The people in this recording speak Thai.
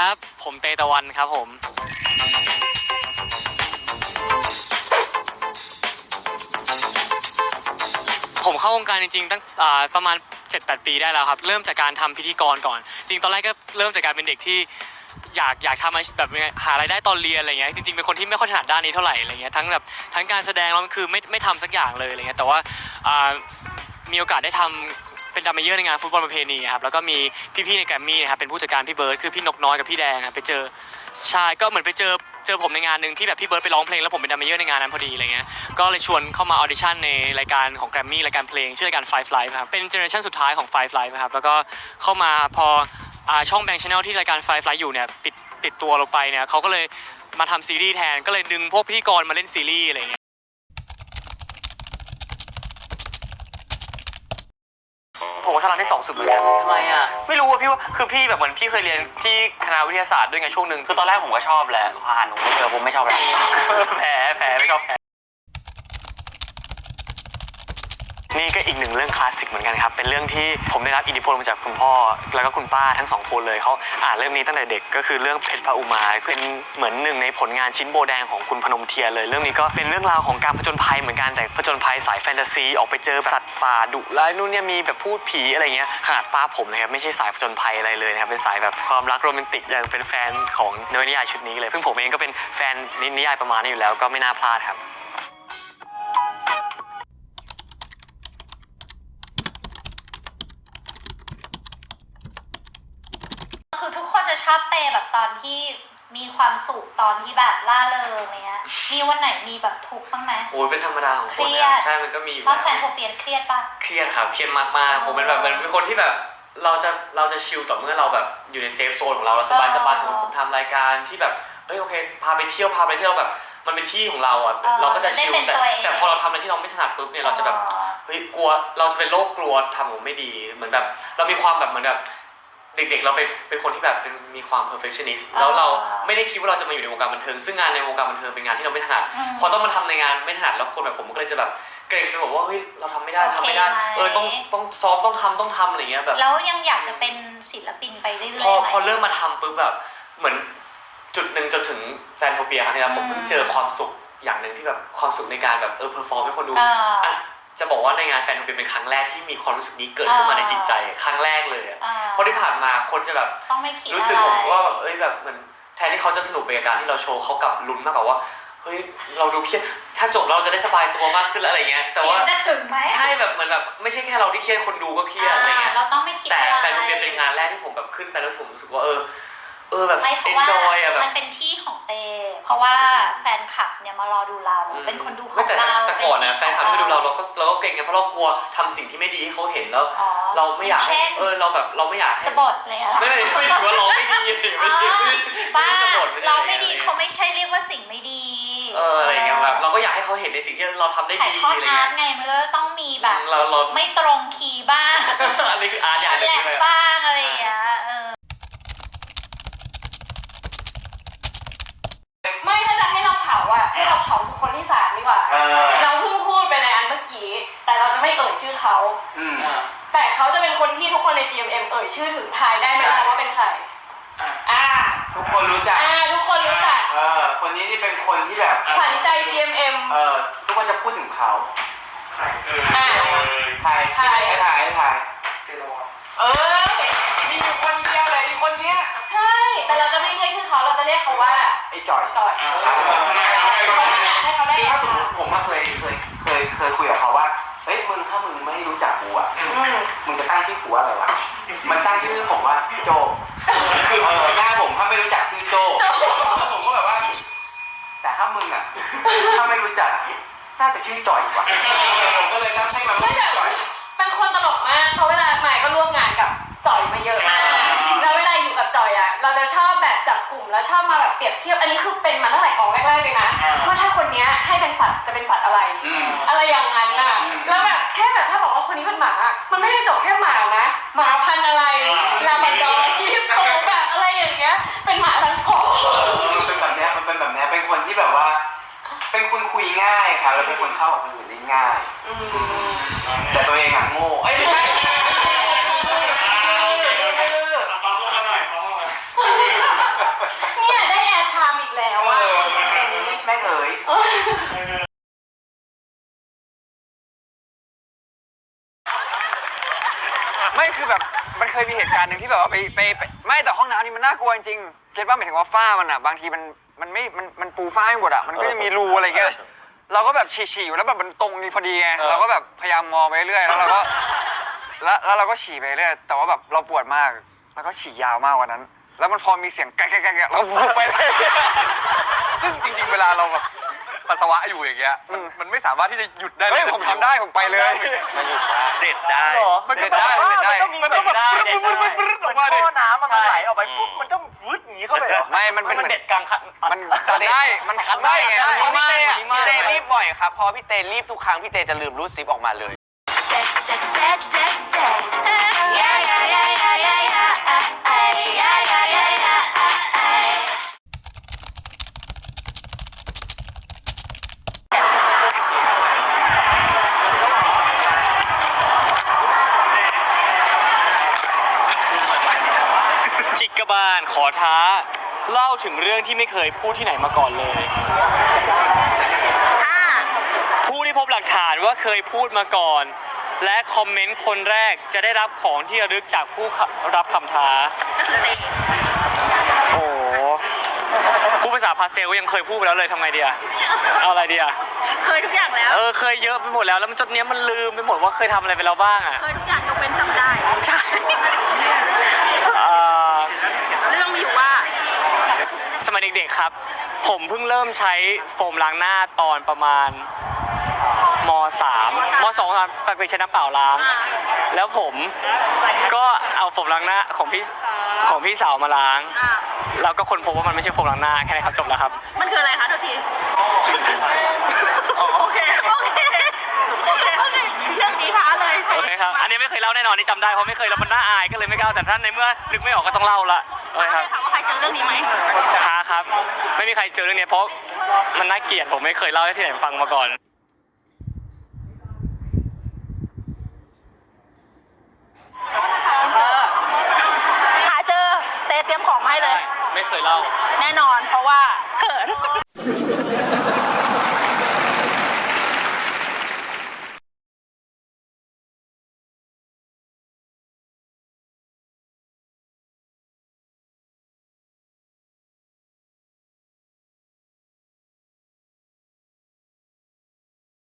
ครับผมเตตะวันครับผมเข้าวงการจริงๆตั้งประมาณ 7-8 ปีได้แล้วครับเริ่มจากการทำพิธีกรก่อนจริงตอนแรกก็เริ่มจากการเป็นเด็กที่อยากทำแบบหารายได้ตอนเรียนอะไรเงี้ยจริงๆเป็นคนที่ไม่ค่อยถนัดด้านนี้เท่าไหร่อะไรเงี้ยทั้งการแสดงแล้วคือไม่ทำสักอย่างเลยอะไรเงี้ยแต่ว่ามีโอกาสได้ทำเป็นดัมเมเยอร์ในงานฟุตบอลประเพณีครับแล้วก็มีพี่ๆในแกรมมี่นะครับเป็นผู้จัดการพี่เบิร์ดคือพี่นกน้อยกับพี่แดงครับไปเจอใช่ก็เหมือนไปเจอผมในงานหนึ่งที่แบบพี่เบิร์ดไปร้องเพลงแล้วผมเป็นดัมเมเยอร์ในงานนั้นพอดีอะไรเงี้ยก็เลยชวนเข้ามาออดิชั่นในรายการของแกรมมี่รายการเพลงชื่อรายการ Five Live ครับเป็นเจเนอเรชั่นสุดท้ายของ Five Live ครับแล้วก็เข้ามาพอช่องแบงค์ชาแนลที่รายการ Five Live อยู่เนี่ยปิดตัวลงไปเนี่ยเขาก็เลยมาทำซีรีส์แทนก็เลยดึงพวกพิธีกรมาเล่นซีรีส์อะไรเงี้ยผมว่าชอบร้านที่2สุดเหมือนกันทำไมอ่ะไม่รู้อ่ะพี่ว่าคือพี่แบบเหมือนพี่เคยเรียนที่คณะวิทยาศาสตร์ด้วยไงช่วงหนึ่งคือตอนแรกผมก็ชอบแหละพอหาหนูไม่เจอผมไม่ชอบแล้วแผลไม่ชอบแผลนี่ก็อีกหนึ่งเรื่องคลาสสิกเหมือนกันครับเป็นเรื่องที่ผมได้รับอิทธิพลมาจากคุณพ่อแล้วก็คุณป้าทั้ง2คนเลยเขาอ่านเรื่องนี้ตั้งแต่เด็กก็คือเรื่องเพชรพระอุมาเป็นเหมือนหนึ่งในผลงานชิ้นโบแดงของคุณพนมเทียนเลยเรื่องนี้ก็เป็นเรื่องราวของการผจญภัยเหมือนกันแต่ผจญภัยสายแฟนตาซีออกไปเจอสัตว์ป่าดุร้ายนู่นเนี่ยมีแบบพูดผีอะไรเงี้ยขนาดป้าผมนะครับไม่ใช่สายผจญภัยอะไรเลยนะครับเป็นสายแบบความรักโรแมนติกอย่างเป็นแฟนของนวนิยายชุดนี้เลยซึ่งผมเองก็เป็นแฟนนิยายประมาณนี้อยู่แล้วก็ไม่น่าพลาดครับคือทุกคนจะชอบเตแบบตอนที่มีความสุขตอนที่แบบล่าเริงอะไรเงี้ยมีวันไหนมีแบบทุกข์บ้างไหมโอ้ยเป็นธรรมดาของคนนะใช่มันก็มีอยู่แล้วแล้วแฟนโทเปียนเครียดป่ะเครียดครับเครียดมากๆผมเป็นแบบเป็นคนที่แบบเราจะชิลต่อเมื่อเราแบบอยู่ในเซฟโซนของเราสบายสมมติผมทำรายการที่แบบเฮ้ยโอเคพาไปเที่ยวแบบมันเป็นที่ของเราอ่ะเราก็จะชิลแต่พอเราทำอะไรที่เราไม่ถนัดปุ๊บเนี่ยเราจะแบบเฮ้ยกลัวเราจะเป็นโรคกลัวทำผมไม่ดีเหมือนแบบเรามีความแบบเหมือนแบบเด็กๆเราเป็นคนที่แบบมีความ perfectionist แล้วเราไม่ได้คิดว่าเราจะมาอยู่ในวงการบันเทิงซึ่งงานในวงการบันเทิงเป็นงานที่เราไม่ถนัดพอต้องมาทำในงานไม่ถนัดแล้วคนแบบผมก็เลยจะแบบเกรงไปบอกว่าเฮ้ยเราทำไม่ได้ต้องซ้อมต้องทำอะไรเงี้ยแบบแล้วยังอยากจะเป็นศิลปินไปเรื่อยๆพอเริ่มมาทำปุ๊บแบบเหมือนจุดหนึ่งจนถึงแฟนโทเปียครั้งนี้ผมเพิ่งเจอความสุขอย่างหนึ่งที่แบบความสุขในการแบบเพอร์ฟอร์มให้คนดูจะบอกว่าในงานแฟนโทเปียเป็นครั้งแรกที่มีความรู้สึกนี้เกิดขึ้นมาในจิตใจครั้งแรกเลยเพราะที่ผ่านมาคนจะแบบรู้สึกว่าแบบแบบเหมือนแทนที่เขาจะสนุกไปกับการที่เราโชว์เขากลับลุ้นมากกว่าเฮ้ยเราดูเครียดถ้าจบเราจะได้สบายตัวมากขึ้นอะไรเงี้ยแต่ว่าจะถึงไหมใช่แบบเหมือนแบบไม่ใช่แค่เราที่เครียดคนดูก็เครียดอะไรเงี้ยเราต้องไม่คิดแต่แฟนโทเปียเป็นงานแรกที่ผมแบบขึ้นไปแล้วผมรู้สึกว่าแบบ enjoy อะแบบมันเป็นที่ของเตเพราะว่าแฟนคลับเนี่ยมารอดูเราเป็นคนดูของเราแต่ก่อนนะแฟนคลับที่มาดูเราก็เกรงไงเพราะเรากลัวทำสิ่งที่ไม่ดีให้เขาเห็นแล้วเราไม่อยากให้เราแบบเราไม่อยากสบดเลยอะไม่ถือว่าร้องไม่ดีบ้าร้องไม่ดีเขาไม่ใช่เรียกว่าสิ่งไม่ดีอะไรเงี้ยแบบเราก็อยากให้เขาเห็นในสิ่งที่เราทำได้ดีอะไรเงี้ยไงมันก็ต้องมีแบบไม่ตรงคีย์บ้างอันนี้คืออาร์ตอย่างนึงใช่ไหมบ้างอะไรอย่างเงี้ยไม่ถ้าจะให้เราเผาอ่ะให้เราเผาบุคคลที่3ดีกว่าเราเพิ่งพูดไปในอันเมื่อกี้แต่เราจะไม่เอ่ยชื่อเขาแต่เขาจะเป็นคนที่ทุกคนใน GMM เอ่ยชื่อถึงทายได้ไหมคะว่าเป็นใครทุกคนรู้จักทุกคนรู้จักคนนี้นี่เป็นคนที่แบบขวัญใจ GMM ทุกคนจะพูดถึงเขาทายมีอยู่คนเดียวเลยคนเนี้ยใช่แต่เราจะไม่เรียกชื่อเขาเราจะเรียกเขาว่าไอ้จ่อยให้เขาได้ถ้าสมมติผมเคยคุยกับเขาว่าเฮ้ยถ้ามึงไม่รู้จักกูอ่ะมึงจะตั้งชื่อกูว่าอะไรวะมันตั้งชื่อผมว่าโจหน้าผมถ้าไม่รู้จักชื่อโจผมก็แบบว่าแต่ถ้ามึงอ่ะถ้าไม่รู้จักน่าจะชื่อจ่อยวะผมก็เลยตั้งให้มันว่าจ่อยเป็นคนตลกมากเพราะเวลาใหม่ก็ร่วมงานกับจ่อยมาเยอะมากแล้วเวลาอยู่กับจ่อยอ่ะเราจะชอบแบบจับกลุ่มแล้วชอบมาแบบเปรียบเทียบอันนี้คือเป็นมาตั้งแต่กองแรกๆเลยนะว่าถ้าคนนี้ให้เป็นสัตว์จะเป็นสัตว์อะไรอย่างนั้นน่ะแล้วแบบแค่แบบถ้าบอกว่าคนนี้เป็นหมามันไม่ได้จบแค่หมานะหมาพันธุ์อะไรลาบราดอร์ชีฟโซแบบอะไรอย่างเงี้ยเป็นหมาพันธุ์โคมันเป็นแบบเนี้ยเป็นคนที่แบบว่าเป็นคนคุยง่ายค่ะแล้วเป็นคนเข้ากับคนอื่นได้ง่ายแต่ตัวเองอ่ะโง่ไม่ใช่เอ๋ยไม่คือแบบมันเคยมีเหตุการณ์หนึ่งที่แบบว่าไปไม่แต่ห้องน้ำนี่มันน่ากลัวจริงๆเก็ตว่าหมายถึงว่าฝ้ามันอ่ะบางทีมันปูฝ้าไม่หมดอ่ะมันก็จะมีรูอะไรเงี้ยเราก็แบบฉี่อยู่แล้วแบบมันตรงนี้พอดีไงเราก็แบบพยายามมองไปเรื่อยแล้วเราก็แล้วเราก็ฉี่ไปเรื่อยแต่ว่าแบบเราปวดมากแล้วก็ฉี่ยาวมากกว่านั้น แล้วมันพอมีเสียงแกะเราพูดไปเลยซึ่งจริงๆเวลาเราแบบปัสสาวะอยู่อย่างเงี้ยมันไม่สามารถที่จะหยุดได้เฮ้ยผมทำได้ผมไปเลยเด็ดได้มันก็เด็ดได้มันต้องแบบปรึ๊ดออกมาดิท่อน้ำมันไหลออกไปปุ๊บมันต้องวืดอย่างนี้เข้าไปเหรอไม่มันเป็นเหมือนเด็ดกลางคันมันคัดได้มันคัดได้ไงได้มันพี่เต้อะพี่เต้รีบบ่อยครับเพอพี่เต้รีบทุกครั้งพี่เต้จะลืมรูดซิปออกมาเลยจิกกบาลขอท้าเล่าถึงเรื่องที่ไม่เคยพูดที่ไหนมาก่อนเลยผู้ที่พบหลักฐานว่าเคยพูดมาก่อน และคอมเมนต์คนแรกจะได้รับของที่ระลึกจากผู้รับคำท้าโอ้โหผู้ภาษาพาเซลยังเคยพูดไปแล้วเลยทำไงดีอะเอาอะไรดีอะเคยทุกอย่างแล้วเคยเยอะไปหมดแล้วมันจนเนี้ยมันลืมไปหมดว่าเคยทำอะไรไปแล้วบ้างอะเคยทุกอย่างยกเว้นจำได้ใช่เรื่องมีอยู่ว่าสมัยเด็กๆครับ ผมเพิ่งเริ่มใช้โฟมล้างหน้าตอนประมาณม.3 ม.2 ครับไปใช้น้ำเปล่าล้าง แล้วผมก็เอาโฟมล้างหน้าของพี่สาวมาล้าง แล้วก็คนพบว่ามันไม่ใช่โฟมล้างหน้าแค่นี้ครับจบแล้วครับมันคืออะไรคะทุกทีโอเคเรื่องนี้ท้าเลยโอเคครับ อันนี้ไม่เคยเล่าแน่นอนนี่จำได้เพราะไม่เคยแล้วมันน่าอายก็เลยไม่กล้าแต่ท่านในเมื่อนึกไม่ออกก็ต้องเล่าละโอเคครับถามว่าใครเจอเรื่องนี้ไหมท้าครับ ไม่มีใครเจอเรื่องนี้เพราะมันน่าเกลียดผมไม่เคยเล่าให้ที่ไหนฟังมาก่อนหาเจอเตเตรียมของมาให้เลยไม่เคยเล่าแน่นอนเพราะว่าเขิน